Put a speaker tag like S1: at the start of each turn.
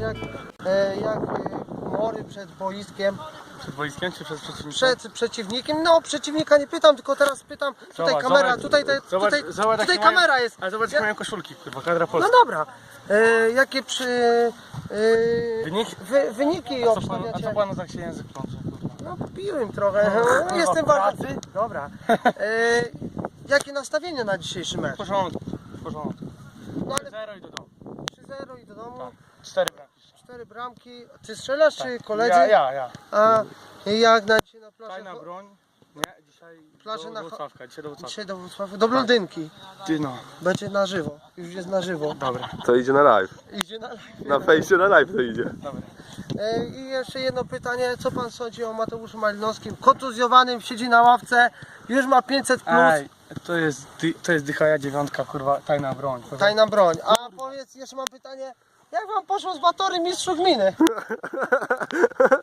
S1: jak humory przed boiskiem.
S2: Przed boiskiem czy przed przeciwnikiem?
S1: Przed przeciwnikiem, no przeciwnika nie pytam, tylko teraz pytam, tutaj
S2: Zobacz,
S1: kamera,
S2: zobacz,
S1: tutaj
S2: zobacz,
S1: tutaj
S2: jakie
S1: kamera
S2: mają,
S1: jest.
S2: ale zobacz, jakie mają koszulki, kurwa, kadra
S1: No
S2: polska.
S1: dobra, jakie
S2: Wyniki?
S1: wyniki
S2: A co
S1: obstawiacie?
S2: panu tak się język plącze, kurwa?
S1: No piłem trochę,
S2: kurwa,
S1: jestem
S2: pracy.
S1: bardzo... Dobra, jakie nastawienie na dzisiejszy mecz?
S2: W porządku, w porządku.
S1: No ale
S2: 0 i do domu.
S1: 3-0 i do domu,
S2: Tak. 4 bramki.
S1: 4 bramki. Ty strzelasz czy koledzy?
S2: Ja.
S1: A jak na dzisiaj na plaży?
S2: Tajna broń. Nie, dzisiaj
S1: Plaże
S2: do
S1: na
S2: Włocławka, dzisiaj do Włocławka.
S1: Dzisiaj do Wrocławia, do Blondynki.
S2: Ty no,
S1: Będzie na żywo, już jest na żywo.
S2: dobra,
S3: To idzie na live.
S1: Idzie na...
S3: Na fejsie na live to idzie.
S2: dobra.
S1: I jeszcze jedno pytanie, co pan sądzi o Mateuszu Malinowskim? Kontuzjowanym, siedzi na ławce, już ma 500+,
S2: Ej, to jest dychaja dziewiątka, kurwa, tajna broń.
S1: tajna broń. A powiedz, jeszcze mam pytanie, jak wam poszło z Batory mistrzu gminy?